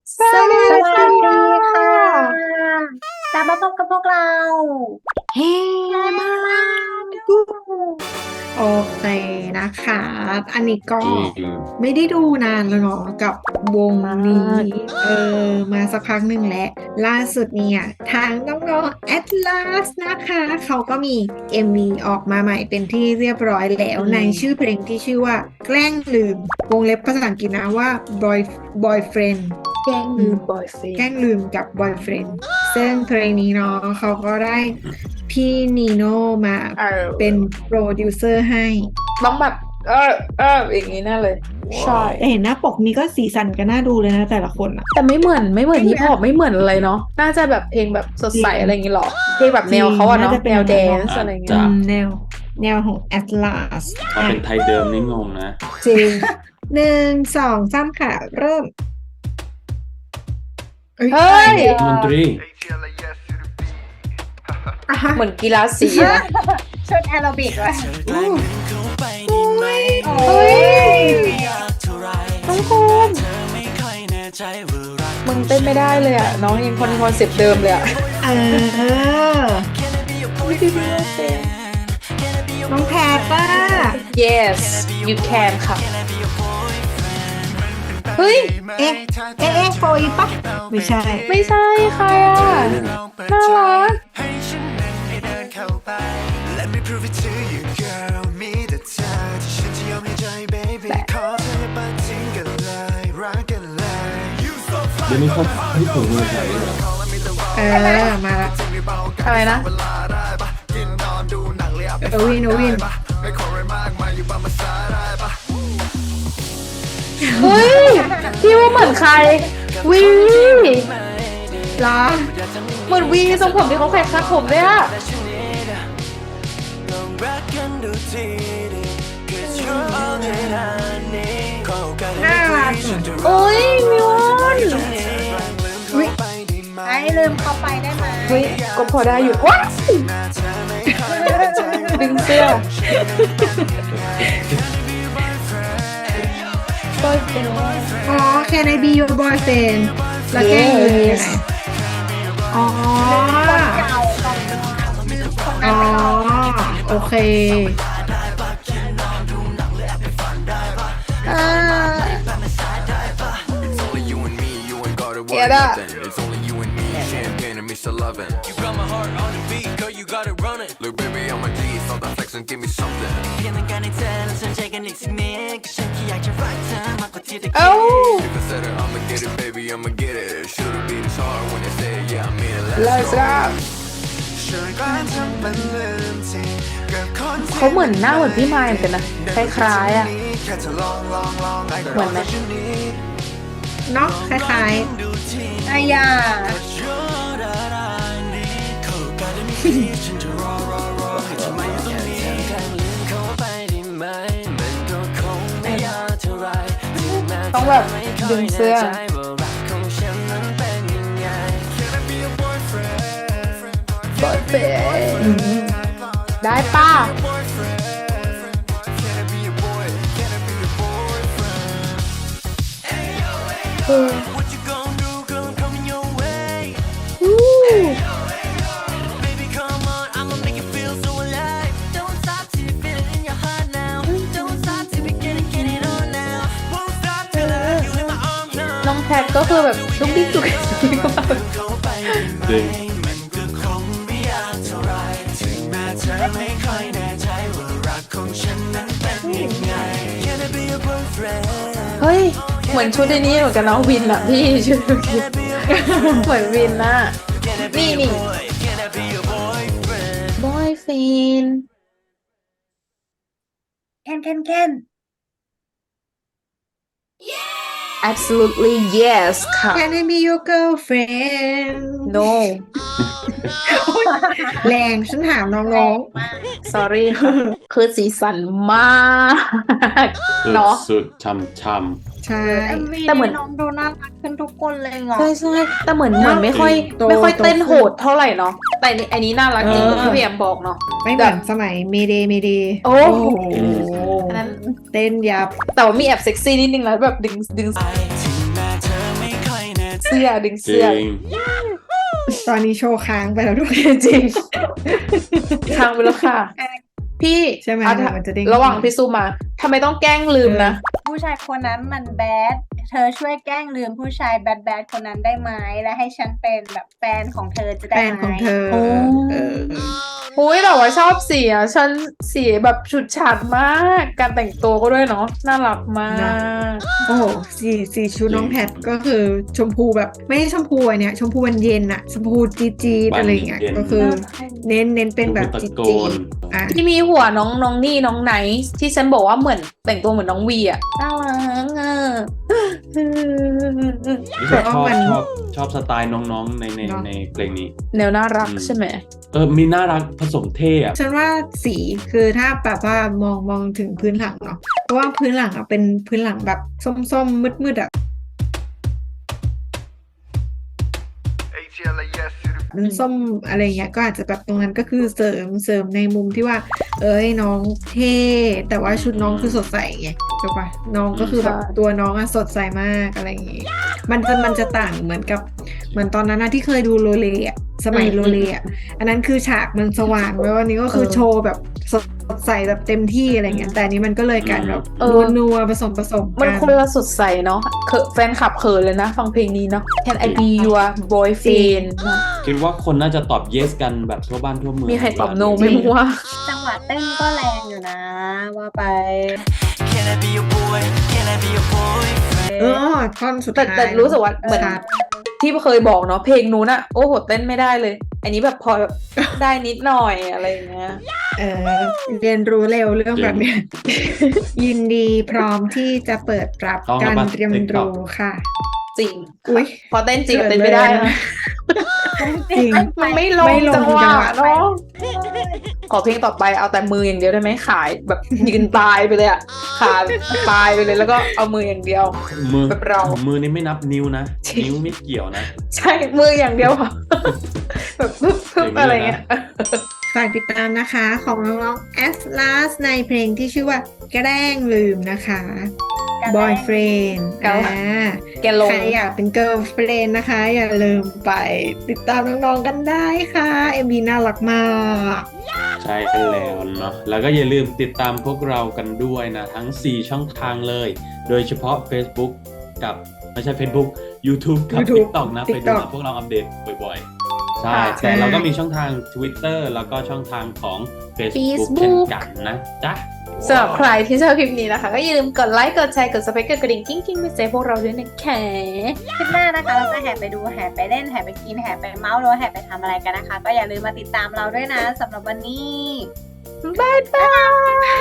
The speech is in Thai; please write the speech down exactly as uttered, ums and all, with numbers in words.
สวัสดีสวัสดีค่ค่ะะกลับมาพบกับพวกเราเฮ้แฮมามาดูดูโอเคนะคะอันนี้ก็จริงไม่ได้ดูนานแล้วเนาะกับวงมานี้กเออมาสักพักหนึ่งแล้วล่าสุดเนี่ยทางน้องๆ Atlas นะคะเขาก็มี เอ็ม วี ออกมาใหม่เป็นที่เรียบร้อยแล้วอืในชื่อมเพลงที่ชื่อว่าแกล้งลืมวงเล็บภาษาอังกฤษนะว่า boy boyfriend แกล้งลืมบอยเฟนแกล้งลืมกับ boyfriend ซึ่งเพลงนี้เนาะเขาก็ได้พี่นีโน่มาเอเป็นอโปรดิวเซอร์ให้ต้องแบบเออเอออย่างนี้แน่เลยใช่แต่เห็นหน้าปกนี้ก็สีสันก็น่าดูเลยนะแต่ละคนอะแต่ไม่เหมือนไม่เหมือนใช่ไหมฮิปฮอปไม่เหมือนอะไรเนาะน่าจะแบบเพลงแบบสดจริงใสอะไรอย่างงี้หรอเพลงแบบจริงแนวเขาอะน่าเนาะจะเป็นแบบแนวแดนั้นเนาะนซ์อะไรเงี้อืยจะมแนวแนวของ Atlas ถ้าอ่ะเป็นไทยเดิมนี่งงนะจริงหนึ่งสองสามค่ะเริ่มเอ้ยเฮ้ยอะไรเนี่ยดนตรีอ่ะฮะเหมือนกีฬาสีนะชุดแอโรบิกเลยอู้อุ้ยเฮ้ยน้องภูมิมึงเต้นไม่ได้เลยอะน้องยังคอนคอนเซ็ปต์เดิมเลยอะเออน้องแพรป้า yes you can ค่ะเฮ้ยเอ๊ะเอ๊ะเอ๊ะโฟอีปะไม่ใช่ไม่ใช่ใครอ่ะน่ารักเดี๋ยวนี้เขาที่ถึงเมืองไทยเหรอเออมาละอะไรนะเอวินเอวินเฮ้ยพี่ว่าเหมือนใครวีเหรอเหมือนวีทรงผมที่เขาแขวนคาดผมเลยอะน่ารักโอ้ยมิวอนวิไอ้ลืมเข้าไปได้ไหมเฮ้ยก็พอได้อยู่ว้ายดึงเสื้อก็เป็นอ๋อ Can I be your boyfriend แล้วแกล้งลืมยังไงอ๋อเก่าของคนอ๋อนั้นไม่ออกโอเคอ่าเอ็ดอะ It's only you and me, champagne and Mister Lovin'. You got my heart on the beat, girl, you got it running. Look, baby, I'm a G, so that flex and give me something. เอ้า If I said it, I'ma get it, baby, I'ma get it. Should've been this hard when they say, yeah, I mean it. เลิ Let's ศ go. อะเขาเหมือนหน้าเหมือนพี่ไมค์เหมือนกันนะคล้ายๆอ่ะเหมือนไหมเนาะคล้ายอายาต้องแบบดึงเสื้อปอยเปได้ป้าเอออู้น้องแพทก็คือแบบลุกดิ้นจุกดิ๊กก็แบบจริงเฮ้ย เหมือนชุดในนี้เหมือนกันเนาะวินอะพี่ชุดเมื่อกี้เหมือนวินน่ะนี่นี่บอยฟินเคนเคนเคน absolutely yes ค่ะๆ Can I be your girlfriend no แรงฉันถามน้อง sorry ค่ะคือสีสันมากสุดเนาะสุดช่ำช่ๆ ใช่เอ็มวีแต่เหมือนน้องดูน่ารักขึ้นทุกคนเลยเหรอใช่ใช่แต่เหมือนเหมือนไม่ค่อยโตไม่ค่อยโตเต้นขึ้นโหดเท่าไหร่เนาะแต่อันนี้อันนี้น่ารักจริงเออที่พี่แอมบอกเนาะไม่เหมือนสมัยเมเดเมเดโอ้โหอัอันนนั้นั้น นเต้นยับแต่ว่ามีแอบเซ็กซี่นิดนึงแล้วแบบดึงดึงเสื้อดึงจเสื้ริองตอนนี้โชว์ค้างไปแล้วด้วยจริงทางไปแล้วค่ะ พี่ใช่ไหมเอาถ้ามันจะเด้งระหว่างพี่ซูมาทำไมต้องแกล้งลืมนะผู้ชายคนนั้นมันแบดเธอช่วยแกล้งลืมผู้ชายแบดแบดคนนั้นได้ไหมและให้ฉันเป็นแบบแฟนของเธอจะแฟได้นไหมของเธอโอ้เอออุ้ยแต่ว่าชอบสีอ่ะฉันสีแบบฉุดฉาดมาก การแต่งตัวก็ด้วยเนาะน่ารักมากโอ้โหสีสีชุดน้องแพทก็คือชมพูแบบไม่ใช่ชมพูอันเนี้ยชมพูวันเย็นอะชมพูจีจีดวันอะไรเงี้ยเย็นก็คือเน้นเน้นเป็นแบบชมพูจีตะโกจีนอ่ะที่มีหัวน้องน้องนี่น้องไนท์ที่ฉันบอกว่าเหมือนแต่งตัวเหมือนน้องวีอ่ะน่ารักอ่ะรู้สึกชอบชอบชอบสไตล์น้องๆในในในเพลงนี้แนวน่ารักอืมใช่ไหมเออมีน่ารักผสมเท่อะฉันว่าสีคือถ้าแบบว่ามองมองถึงพื้นหลังเนาะเพราะว่าพื้นหลังอะเป็นพื้นหลังแบบส้มๆมืดๆอะเป็นส้มอะไรเงี้ยก็อาจจะแบบตรงนั้นก็คือเสริมเสริมในมุมที่ว่า เอ้ยน้องเท่แต่ว่าชุดน้องคือสดใสไงถูกปะน้องก็คือแบบตัวน้องอะสดใสมากอะไรอย่างงี้มันจะมันจะต่างเหมือนกับเหมือนตอนนั้นนะที่เคยดูโรเลอะสมัยโรเลอะอันนั้นคือฉากมันสว่างแล้ววันนี้ก็คือโชว์แบบสดใสแบบเต็มที่อะไรเงี้ยแต่อันนี้มันก็เลยกลารแบบเออนัวๆผสมผสมมันกันคนละสดใสเนาะเขินแฟนคลับเขินเลยนะ ฟังเพลงนี้เนาะ Can I be your boyfriend เนอะคิดว่าคนน่าจะตอบ yes กันแบบทั่วบ้านทั่วเมืองมีใครตอบ no เวลาไม่รู้ว่าจังหวะเต้นก็แรงอยู่นะว่าไป Can I be your boy? Can I be your boy? เออท่อนสุดแต่ท้ายแต่รู้สึกว่าเหมือนชัดที่เคยบอกเนาะเพลงนู้นอะโอ้โหเต้นไม่ได้เลย อันนี้แบบพอแบบได้นิดหน่อยอะไรอย่างเงี้ยเออเรียนรู้เร็วเรื่องแบบเนี้ย ยินดีพร้อมที่จะเปิดรับต้องการมาเรียน TikTok รู้ค่ะจริงอุ๊ยพอเต้นจริงเต้นไม่ได้นะจริงมันไม่ลงไม่ลงจังหวะจังหวะเนาะขอเพลงต่อไปเอาแต่มืออย่างเดียวได้ไหมขายแบบยืนตายไปเลยอะขาตายไปเลยแล้วก็เอามืออย่างเดียวมือแบบเรามือนี่ไม่นับนิ้วนะจริงนิ้วไม่เกี่ยวนะใช่มืออย่างเดียวค่ะ แบบพึบพึบอย่างนี้อะไรเลยนะเงี้ยฝากติดตามนะคะของน้องๆ Atlas ในเพลงที่ชื่อว่าแกล้งลืมนะคะ Boyfriend แกล้งอ่าแกลงใครอยากเป็น Girlfriend นะคะ อย่าลืมไปติดตามน้องๆกันได้ค่ะ เอ็ม วี น่ารักมากใช่แล้วเนาะแล้วก็อย่าลืมติดตามพวกเรากันด้วยนะ ทั้ง สี่ ช่องทางเลย โดยเฉพาะ Facebook กับไม่ใช่ Facebook YouTube กับ YouTube TikTok นะ ไปดู TikTok นะพวกเราอัปเดตบ่อยๆ ใช่ค่ะแต่เราก็มีช่องทาง Twitter แล้วก็ช่องทางของ Facebook Facebook เช่นกันนะจ๊ะสำหรับใครที่ชอบคลิปนี้นะคะ ก็อย่าลืมกดไลค์ กดแชร์ กด subscribe กดกระดิ่งกิ้งกิ้งไปเซฟพวกเราด้วยนะคะคลิปหน้านะคะเราจะแห่ไปดูแห่ไปเล่นแห่ไปกินแห่ไปเมาส์หรือว่าแห่ไปทำอะไรกันนะคะ ก็อย่าลืมมาติดตามเราด้วยนะสำหรับวันนี้บ๊ายบาย